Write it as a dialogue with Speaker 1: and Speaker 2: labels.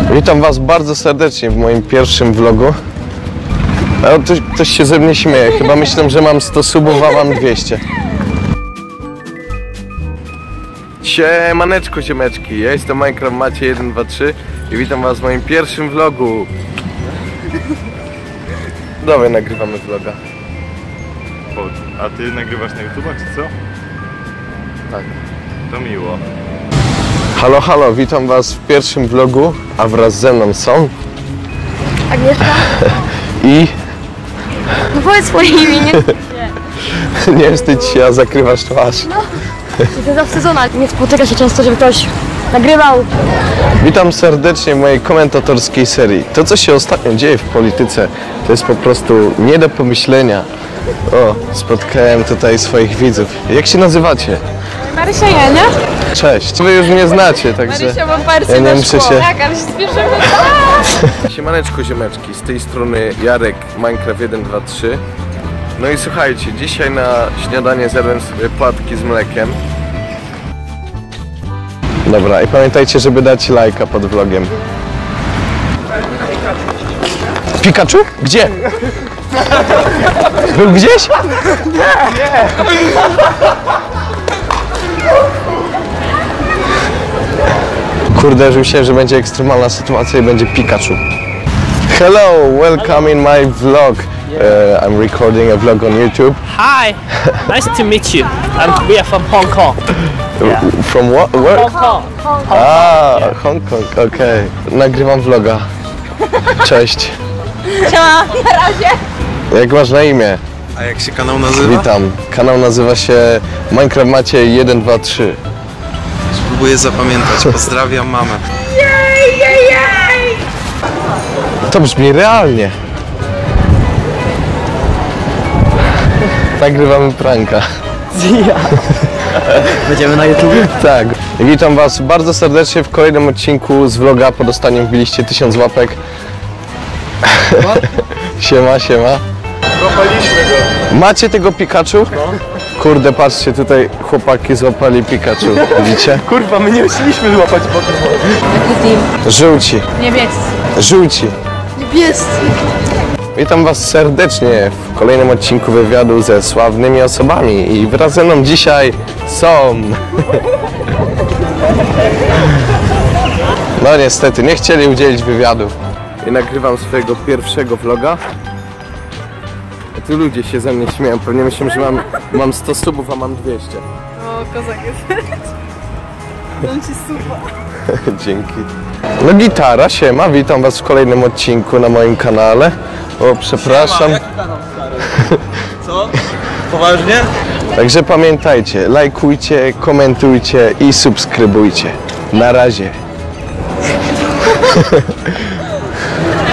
Speaker 1: Witam Was bardzo serdecznie w moim pierwszym vlogu. Ktoś się ze mnie śmieje, chyba myślę, że mam 100 subów, a mam 200. Siemaneczko, ziemeczki, ja jestem Minecraft Macie 123 i witam Was w moim pierwszym vlogu. Dobra, nagrywamy vloga.
Speaker 2: A Ty nagrywasz na YouTubach, czy co?
Speaker 1: Tak.
Speaker 2: To miło.
Speaker 1: Halo, halo, witam Was w pierwszym vlogu, a wraz ze mną są...
Speaker 3: Agnieszka?
Speaker 1: I...
Speaker 3: No powiedz swoje imię, nie?
Speaker 1: Nie wstydź się, a zakrywasz twarz.
Speaker 3: No, to jest zawsze sezona, nie spotyka się często, żeby ktoś nagrywał.
Speaker 1: Witam serdecznie w mojej komentatorskiej serii. To, co się ostatnio dzieje w polityce, to jest po prostu nie do pomyślenia. O, spotkałem tutaj swoich widzów. Jak się nazywacie?
Speaker 4: Marysia, ja, nie?
Speaker 1: Cześć. Wy już mnie znacie, także
Speaker 4: Marysia, mam wersję
Speaker 1: ja nie
Speaker 4: na
Speaker 1: muszę
Speaker 4: szkło.
Speaker 1: się...
Speaker 4: Tak, ale się spieszymy.
Speaker 1: Siemaneczko, ziemeczki. Z tej strony Jarek, Minecraft 123. No i słuchajcie, dzisiaj na śniadanie zjadłem sobie płatki z mlekiem. Dobra, i pamiętajcie, żeby dać lajka pod vlogiem. Pikachu? Gdzie? Był gdzieś? Nie! Kurde, już myślałem, że będzie ekstremalna sytuacja i będzie Pikachu. Hello, welcome in my vlog. I'm recording a vlog on YouTube.
Speaker 5: Hi, nice to meet you. We are from Hong Kong.
Speaker 1: From what? Where?
Speaker 5: Hong Kong.
Speaker 1: Hong Kong, okej. Nagrywam vloga. Cześć.
Speaker 4: Siema, na razie.
Speaker 1: Jak masz na imię?
Speaker 2: A jak się kanał nazywa?
Speaker 1: Witam. Kanał nazywa się Minecraft Macie 123.
Speaker 2: Spróbuję zapamiętać. Pozdrawiam mamę.
Speaker 4: Jej!
Speaker 1: To brzmi realnie. Nagrywamy pranka.
Speaker 5: Będziemy na YouTube?
Speaker 1: Tak. Witam Was bardzo serdecznie w kolejnym odcinku z vloga. Po dostaniu wbiliście 1000 łapek. Siema, siema.
Speaker 2: Złapaliśmy go.
Speaker 1: Macie tego Pikachu? Kurde, patrzcie, tutaj chłopaki złapali Pikachu. Widzicie?
Speaker 2: Kurwa, my nie chcieliśmy złapać Pokémon.
Speaker 4: Jaki team?
Speaker 1: Żółci.
Speaker 4: Niebiescy.
Speaker 1: Żółci.
Speaker 3: Niebiescy.
Speaker 1: Witam Was serdecznie w kolejnym odcinku wywiadu ze sławnymi osobami i wraz ze mną dzisiaj są... No niestety, nie chcieli udzielić wywiadu. I nagrywam swojego pierwszego vloga. A tu ludzie się ze mnie śmieją, pewnie myślą, że mam 100 subów, a mam 200.
Speaker 4: O, kozak jest. On ci supa.
Speaker 1: Dzięki. No gitara, siema, witam Was w kolejnym odcinku na moim kanale. O, przepraszam.
Speaker 5: Co? Poważnie?
Speaker 1: Także pamiętajcie, lajkujcie, komentujcie i subskrybujcie. Na razie.